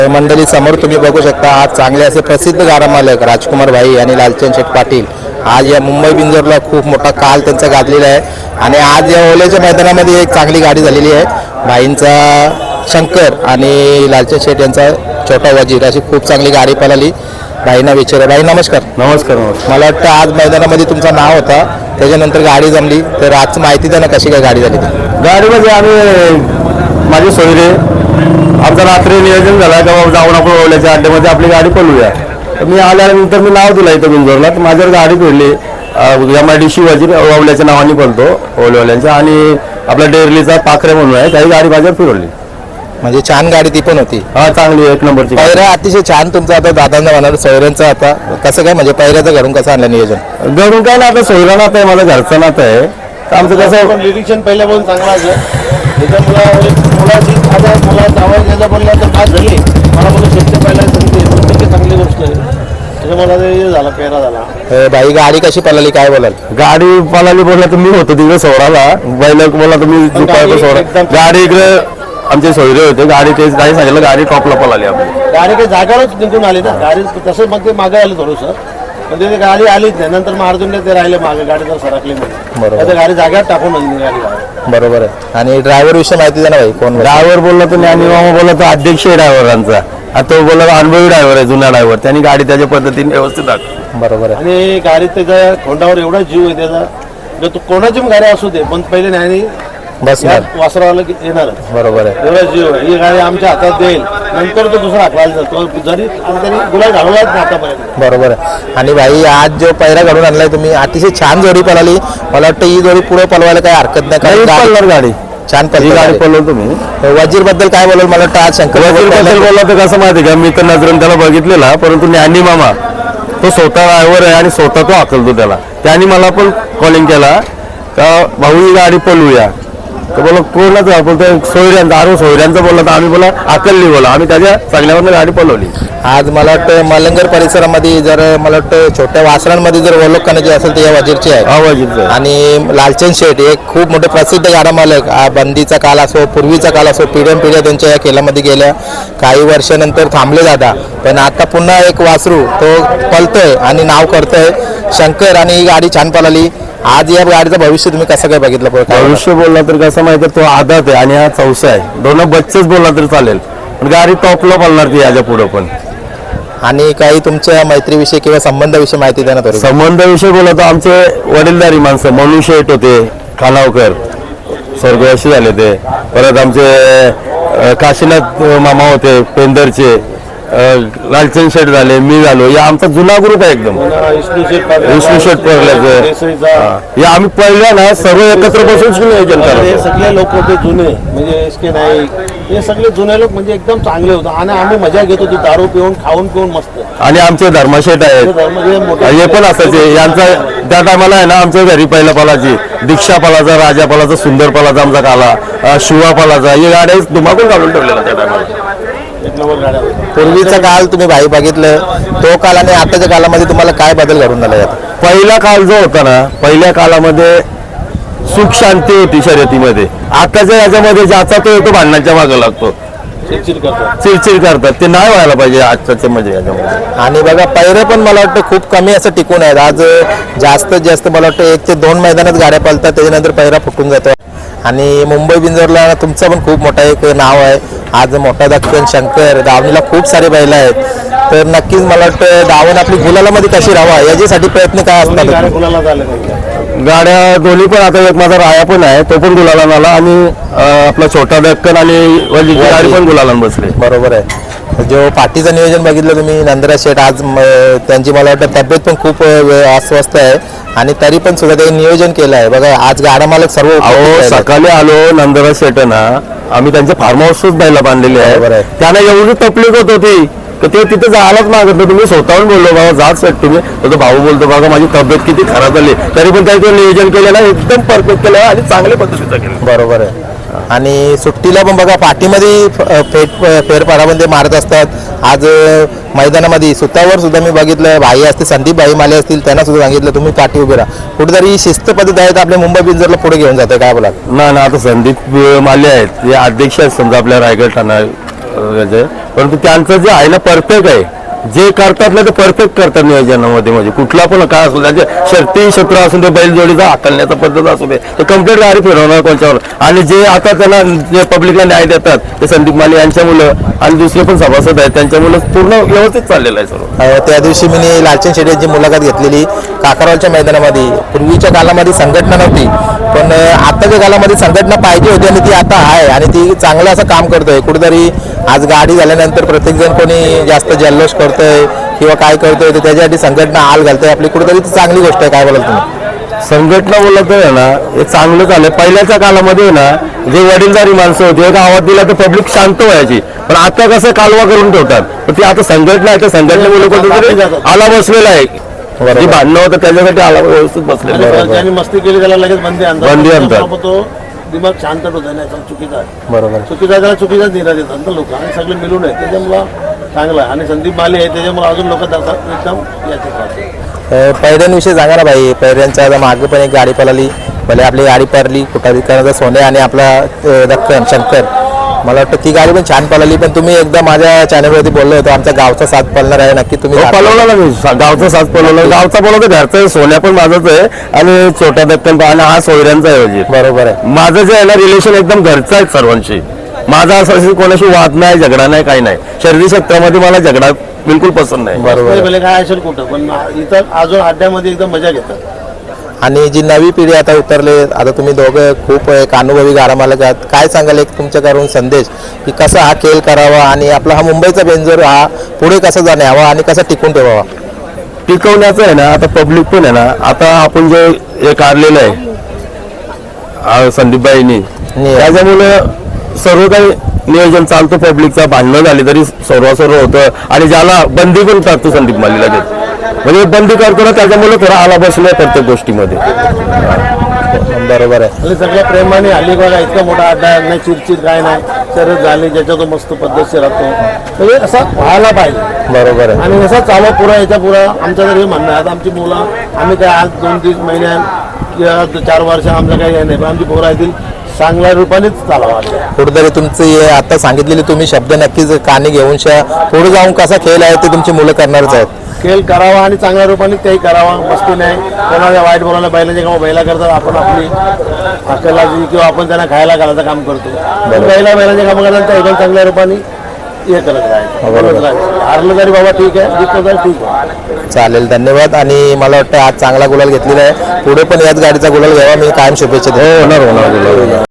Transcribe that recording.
मंडळी समोर तुम्ही बघू शकता आज चांगले असे प्रसिद्ध गाडा मालक राजकुमार भाई आणि लालचंद शेठ पाटील आज या मुंबई बिंजोरला खूप मोठा काल त्यांचा गाजलेला आहे आणि आज या ओलेच्या मैदानामध्ये एक चांगली गाडी झालेली आहे. भाईंचा शंकर आणि लालचंद शेठ यांचा छोटा वजीर अशी खूप चांगली गाडी पळाली. भाईंना विचारा. भाई नमस्कार. नमस्कार. मला वाटतं आज मैदानामध्ये तुमचा नाव होता, त्याच्यानंतर गाडी जमली, तर आज माहिती द्या ना कशी काय गाडी झाली ती. गाडीमध्ये आम्ही माझे सोयरे आमचं रात्री नियोजन झालं का बाबा जाऊन आपण ओल्याच्या अड्ड्यामध्ये आपली गाडी पळवूया. तर मी आल्यानंतर मी नाव दिलं इथं बिंजोरला, तर माझ्यावर गाडी फिरली. MIDC वजीर ओल्याच्या नावाने पळतो ओलेवाल्यांच्या, आणि आपला डेरलीचा पाखरे म्हणून आहे, त्याही गाडी माझ्यावर फिरवली. म्हणजे छान गाडी ती पण होती. हा चांगली एक नंबरची. पहिरा अतिशय छान तुमचा आता दादांना म्हणणार सोयऱ्यांचा आता कसं काय म्हणजे पहिऱ्याचं घरून कसं आणलं नियोजन? घरून काय ना आता सोयरा नातं आहे, माझं घरचं नातं आहे. तर आमचं कसं निरीक्षण पहिल्यापासून चांगलं असं त्याच्या मुलाची आता मला जावं घ्यायला बोललं तर काय झाली मला बोललं शेतकरी पहिला सांगते चांगली गोष्ट आहे. त्याच्यामुळे हे झाला पेरा झाला. बाई गाडी कशी पळाली काय बोलाल? गाडी पळाली बोलला तर मी होतो तिकडे सोडाला, बैल बोलला तर मी सोडा गाडी इकडे आमचे सोयरे होते. गाडी तेच काही सांगितलं गाडी टॉपला पळाली आपली. गाडी काही जागावरच निघून आली ना गाडी तसं मग ते मागे आलं थोडंसं, पण ते गाडी आलीच नाही. नंतर मग अर्जुनने ते राहिले मागे गाडी जर सरकली म्हणून बरोबर. गाडी जाग्यात टाकून गाडी. बरोबर आहे. आणि ड्रायव्हर विषयी माहिती द्या ना भाई. कोण ड्रायव्हर बोलला तर ज्ञानी मामा बोलला तर अध्यक्ष आहे ड्रायव्हरांचा. आता तो बोलला अनुभवी ड्रायव्हर आहे, जुना ड्रायव्हर. त्यांनी गाडी त्याच्या पद्धतीने व्यवस्थित दाखवली. बरोबर आहे. आणि गाडीत त्याच्या खोंडावर एवढा जीव आहे त्याचा, तो कोणाची पण गाडी असू दे पण पहिले न्यायाने बस वासरावाला येणार. बरोबर आहे. एवढा जीव आहे. ही गाडी आमच्या हातात देईल, नंतर तो दुसरा हाकवायला जातो जरी त्यांनी गुलाल घालवलाच नाही आतापर्यंत. बरोबर आहे. आणि भाई आज जो पहिरा घडून आणलाय तुम्ही अतिशय छान जोडी पळाली. मला वाटतं ही जोडी पुढे पळवायला काही हरकत नाही. गाडी छान ही गाडी पळवतो तुम्ही. वजीर बद्दल काय बोलाल? मला वाटतं आज शंकर वजीर बद्दल बोलला तर कसं माहिती का, मी तर नजरेन त्याला बघितलेला, परंतु ज्ञानी मामा तो स्वतः ड्रायव्हर आहे आणि स्वतः तो हाकलतो त्याला. त्यांनी मला पण कॉलिंग केला का भाऊ ही गाडी पळवूया. तर बोला कोणाच बोलतो सोयऱ्यांचा आरो सोयऱ्यांचा बोलला, तर आम्ही बोला अकलली बोला, आम्ही त्याच्या चांगल्यावरनं गाडी पळवली. आज मला वाटतं मलंगर परिसरामध्ये जर मला वाटतं छोट्या वासरांमध्ये जर ओळख करण्याची असेल तर या वजीरची आहे. हा वजीरचं. आणि लालचंद शेठ एक खूप मोठे प्रसिद्ध गाडा मालक. बंदीचा काल असो, पूर्वीचा काल असो, पिढ्या त्यांच्या या खेळामध्ये गेल्या. काही वर्षानंतर थांबले जाता, पण आता पुन्हा एक वासरू तो पळतोय आणि नाव करतोय शंकर. आणि ही गाडी छान पळाली. आज या गाडीचं भविष्य तुम्ही कसं काय बघितलं? भविष्य बोलला तर कसं माहिती तो आदात आहे आणि हा चौसा आहे. दोन बच्चेच बोलला तरी चालेल, पण गाडी टॉपला पळणार ती याच्या पुढे पण. आणि काही तुमच्या मैत्रीविषयी किंवा संबंधाविषयी माहिती द्या ना थोडी. संबंधाविषयी बोलला तर आमचे वडीलधारी माणसं मनु शेठ होते खानावकर, स्वर्गवासी झाले ते. परत आमचे काशीनाथ मामा होते पेंदरचे, लालचंद शेठ झाले, मी झालो. या आमचा जुना ग्रुप आहे एकदम. विष्णू शेठ पडल्याचं या आम्ही पहिल्या ना सर्व एकत्र बसून नियोजन करतो. हे सगळे लोक होते जुने, म्हणजे SK नाईक, हे सगळे जुने लोक म्हणजे एकदम चांगले होते आणि आम्ही मजा घेत होतो दारू पिऊन खाऊन पिऊन मस्त. आणि आमचे धर्मशेठ आहेत हे पण असायचे. यांचा त्या टायमाला आहे ना आमच्या घरी पहिल्या पालाची दीक्षा पालाचा, राजा पालाचा, सुंदर पालाचा आमचा काला, शिवा पालाचा, हे गाड्या धुमाकून काढून ठेवलेला त्या टायमाला. पूर्वीचा काल तुम्ही भाई बघितलं, तो काल आणि आताच्या कालामध्ये तुम्हाला काय बदल घडून आला? पहिला काल जो होता ना, पहिल्या कालामध्ये सुख शांती होती शर्यतीमध्ये. आताच्या याच्यामध्ये ज्याचा तो येतो भांडणाच्या मागे लागतो, चिडचिड करतात. ते नाही व्हायला पाहिजे आजच्या म्हणजे याच्यामध्ये. आणि बघा पहिरे पण मला वाटतं खूप कमी असं टिकून आहेत. आज जास्तीत जास्त मला वाटतं 1 ते 2 मैदानात गाड्या पळतात, त्याच्यानंतर पहिरा फुटून जातो. आणि मुंबई बिंजोरला तुमचं पण खूप मोठं एक नाव आहे. आज मोठा दक्षिण शंकर दावणीला खूप सारे बैल आहेत, तर नक्कीच मला वाटतं दावण आपली गुलालामध्ये कशी राहावा याच्यासाठी प्रयत्न काय असतात? गाड्या दोन्ही पण. आता एक माझा राया पण आहे, तो पण गुलाला आला, आणि आपला छोटा दक्कन आणि वजीरची गाडी पण गुलाला बसले. बरोबर आहे. जो पाठीचं नियोजन बघितलं तुम्ही नंदराज शेठ, आज त्यांची मला वाटतं तब्येत पण खूप अस्वस्थ आहे आणि तरी पण सुद्धा त्यांनी नियोजन केलं आहे. बघा आज गाडा मालक सर्व सकाळी आलो नंदराज शेठना, आम्ही त्यांच्या फार्म हाऊसच बायला बांधलेले आहे. त्यांना एवढी तकलीफ होत होती तर ते तिथे जायलाच मागत नाही. तुम्ही स्वतःहून बोललो बाबा जात सेट तुम्ही, तो भाऊ बोलतो बघा माझी तब्येत किती खराब झाली, तरी पण त्याचं नियोजन केलेलं आहे, एकदम परफेक्ट केलं आणि चांगल्या पद्धतीचं केलं. बरोबर आहे. आणि सुट्टीला पण बघा पाठीमध्ये फेरफारामध्ये मारत असतात. आज मैदानामध्ये सुतावर सुद्धा मी बघितलं, भाई असते संदीप भाई माले असतील, त्यांना सुद्धा सांगितलं तुम्ही पाठी उभे राहा. कुठेतरी शिस्त पद्धत आहेत आपल्या मुंबई बिंजोरला पुढे घेऊन जाते. काय बोला? ना आता संदीप माले आहेत, हे अध्यक्ष आहेत समजा आपल्या रायगड ठाणा परंतु त्यांचं जे आहे ना परफेक्ट आहे, जे करतात ना ते परफेक्ट करतात नियोजनामध्ये. म्हणजे कुठला पण काय असू त्याचे शर्ती क्षेत्र असून ते बैलजोडीचा हाकलण्याचा पद्धत असू दे तर कम्प्लीट गाडी फिरवणार कोणच्यावर. आणि जे आता त्यांना जे पब्लिकला न्याय देतात ते संदीप माली यांच्या मुलं आणि दुसरे पण सभासद आहेत त्यांच्या मुलं पूर्ण व्यवस्थित चाललेलं आहे सर्व. त्या दिवशी मी लालचंद शेट्टी यांची मुलाखत घेतलेली काकरवालच्या मैदानामध्ये. पूर्वीच्या काळामध्ये संघटना नव्हती, पण आताच्या काळामध्ये संघटना पाहिजे होती आणि ती आता आहे आणि ती चांगलं असं काम करतोय. कुठेतरी आज गाडी झाल्यानंतर प्रत्येकजण कोणी जास्त जल्लोष करतोय किंवा काय करतोय तर त्याच्यासाठी संघटना हाल घालतोय आपली, कुठेतरी ती चांगली गोष्ट आहे. काय बोलाल तुम्ही? संघटना बोलत आहे ना हे चांगलं झालं. पहिल्याच्या काळामध्ये ना जे वडीलधारी माणसं होती एक आवाज दिला तर पब्लिक शांत व्हायची, पण आता कसं कालवा करून ठेवतात. पण ती आता संघटना आहे त्या संघटनेमुळे कुठेतरी आला बसलेला आहे. जे भांडणं होतं त्याच्यासाठी आला व्यवस्थित बसलेला आहे. ज्यांनी मस्ती केली त्याला लगेच बंदी बंदी आणतात. तो दिमाग शांत होता नाही चुकीचा आहे. बरोबर. चुकीचा त्याला चुकीचाच निर्णय देतात ना लोक आणि सगळे मिळून आहे त्याच्यामुळं चांगलं आहे. आणि संदीप माली आहे त्याच्यामुळे अजून लोक एकदम याचे पैऱ्यांविषयी सांगा ना भाई. पैऱ्यांच्या आता मागे पण एक गाडी पळाली, भले आपली गाडी पळाली कुठारीकरांचा सोने आणि आपला दक्कन शंकर, मला वाटतं ती गाडी पण छान पळाली. पण तुम्ही एकदा माझ्या चॅनलवरती बोललो होतो आमचा गावचा साथ पळणार आहे, नक्की तुम्ही पळवला ना मी गावचा साथ पळवला. गावचा पळवतो घरचा सोन्या पण माझाच आहे आणि छोटा दक्कन पण आणि हा सोयऱ्यांचा आहे. बरोबर आहे. माझं जे आहे ना रिलेशन एकदम घरचं आहे सर्वांशी. माझा असं कोणाशी वाद नाही, झगडा नाही, काही नाही. शर्यती क्षेत्रामध्ये मला झगडा बिलकुल पसंत नाही. बरोबर काय असेल कुठं पण इथं अजून अड्ड्यामध्ये एकदम मजा घेतात. आणि जी नवी पिढी आता उतरले, आता तुम्ही दोघं खूप एक अनुभवी गाडा मालक आहात, काय सांगाल एक तुमच्याकडून संदेश की कसा हा खेळ करावा आणि आपला हा मुंबईचा बेंजोर हा पुढे कसा जाण्यावा आणि कसा टिकून ठेवावा? टिकवण्याचं आहे ना आता पब्लिक पण आहे ना आता आपण जे हे काढलेलं आहे संदीपबाईंनी त्याच्यामुळे सर्व काही नियोजन चालतं. पब्लिकचा भांडणं झाली तरी सर्व होतं आणि ज्याला बंदी पण टाकतो संदीप मालीला देत म्हणजे बंदी करतो ना त्याच्यामुळे थोडा आला बसलाय प्रत्येक गोष्टीमध्ये. बरोबर आहे. आणि सगळ्या प्रेमाने हल्ली बघा इतका मोठा अड्डा नाही, चिरचिर काय नाही, शर्यत झाली ज्याच्या तो मस्त पद्धतशीर राहतो म्हणजे असा व्हायला पाहिजे. बरोबर आहे. आणि असा चालवा पुरा याच्या पुरा आमचं तर हे म्हणणं आहे. आता आमची मुलं आम्ही काय आज 2-3 महिन्यात किंवा 4 वर्ष आमचं काही हे नाही, पण आमची पोरं येतील चांगल्या रूपानेच चालावा. कुठेतरी तुमची आता सांगितलेली तुम्ही शब्द नक्कीच कानी घेऊन पुढे जाऊन कसा खेळ आहे ते तुमची मुलं करणारच आहेत. खेळ करावा आणि चांगल्या रूपाने तेही करावा. मस्ती नाही कोणाला वाईट बोलायला बैलांच्या कामं बैला करतात, आपण आपली अकलाची किंवा आपण त्यांना खायला घालायचं काम करतो. बैलांच्या कामं करतात त्या एकदम चांगल्या रूपाने हे करत राहायचं. हारलं तरी बाबा ठीक आहे, जिंकलं तरी ठीक आहे. चालेल, धन्यवाद. आणि मला वाटतं आज चांगला गुलाल घेतलेला आहे, पुढे पण याच गाडीचा गुलाल घ्यावा मी कायम शुभेच्छा देतो. होणार.